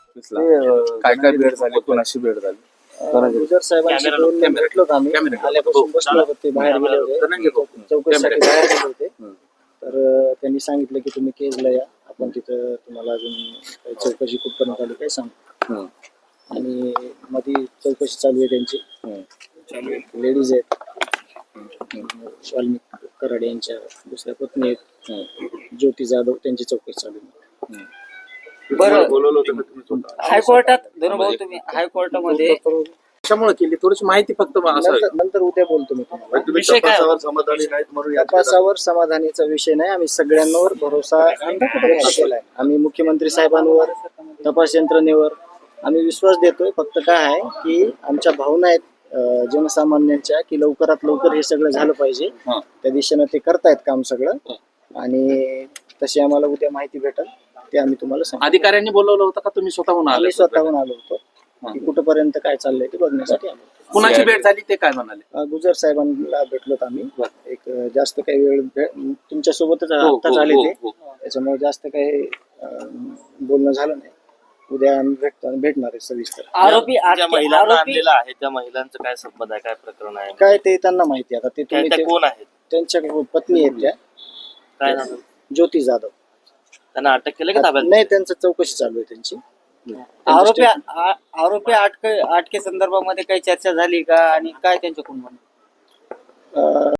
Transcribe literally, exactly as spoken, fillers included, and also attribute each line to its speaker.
Speaker 1: ऑफिसला काय काय भेट झाली, कोणाशी भेट झाली?
Speaker 2: गुजर साहेबांशी दोन भेटलो आम्ही. आल्यापासून बसलो होतो, ते बाहेर गेले होते चौकशीसाठी बाहेर गेले होते. तर त्यांनी सांगितलं की तुम्ही केजला या, आपण तिथं तुम्हाला अजून काही चौकशी कुठपर्यंत आली काय सांग. आणि मध्ये चौकशी चालू आहे त्यांची. लेडीज आहेत, वाल्मिक कराड यांच्या दुसऱ्या पत्नी आहेत ज्योती जाधव, त्यांची चौकशी चालू आहे.
Speaker 3: बरं, हायकोर्टात धनुभाऊ तुम्ही हायकोर्टामध्ये
Speaker 1: कशामुळे केली थोडीशी माहिती फक्त
Speaker 2: नंतर नंतर उद्या बोलतो मी तुम्हाला.
Speaker 3: विषय काय
Speaker 4: समाधानी नाहीत म्हणून
Speaker 2: तपासावर समाधानीचा विषय नाही. आम्ही सगळ्यांवर भरोसा व्यक्त केलाय. आम्ही मुख्यमंत्री साहेबांवर, तपास यंत्रणेवर आम्ही विश्वास देतोय. फक्त काय आहे की आमच्या भावना आहेत जनसामान्यांच्या की लवकरात लवकर हे सगळं झालं पाहिजे. त्या दिशेनं ते करतायत काम सगळं, आणि तशी आम्हाला उद्या माहिती भेटेल ते आम्ही तुम्हाला सांगू.
Speaker 1: अधिकाऱ्यांनी बोलवलं होतं का तुम्ही स्वतःहून आले?
Speaker 2: आम्ही स्वतःहून आलो होतो की कुठपर्यंत काय चाललंय ते बघण्यासाठी आलो.
Speaker 1: कुणाची भेट झाली ते काय म्हणाले?
Speaker 2: गुजर साहेबांना भेटलोत आम्ही. एक जास्त काही वेळ तुमच्या सोबतच आत्ताच आले ते, त्याच्यामुळे जास्त काही बोलणं झालं नाही. उद्या आम्ही भेटतो भेटणार आहे सविस्तर.
Speaker 3: आरोपी
Speaker 5: ज्या महिलांना आणलेला आहे त्या महिलांचं काय संबंध आहे, काय प्रकरण आहे,
Speaker 2: काय ते त्यांना माहिती. आता ते तुम्ही
Speaker 5: त्या कोण आहेत,
Speaker 2: त्यांच्या पत्नी आहेत त्या,
Speaker 5: काय नाव?
Speaker 2: ज्योती जाधव.
Speaker 5: त्यांना अटक केलं का ताब्यात?
Speaker 2: नाही, त्यांचं चौकशी चालू आहे त्यांची.
Speaker 3: आरोपी आरोपी अटके अटके संदर्भामध्ये काही चर्चा झाली का, आणि काय त्यांच्याकडून म्हणणं?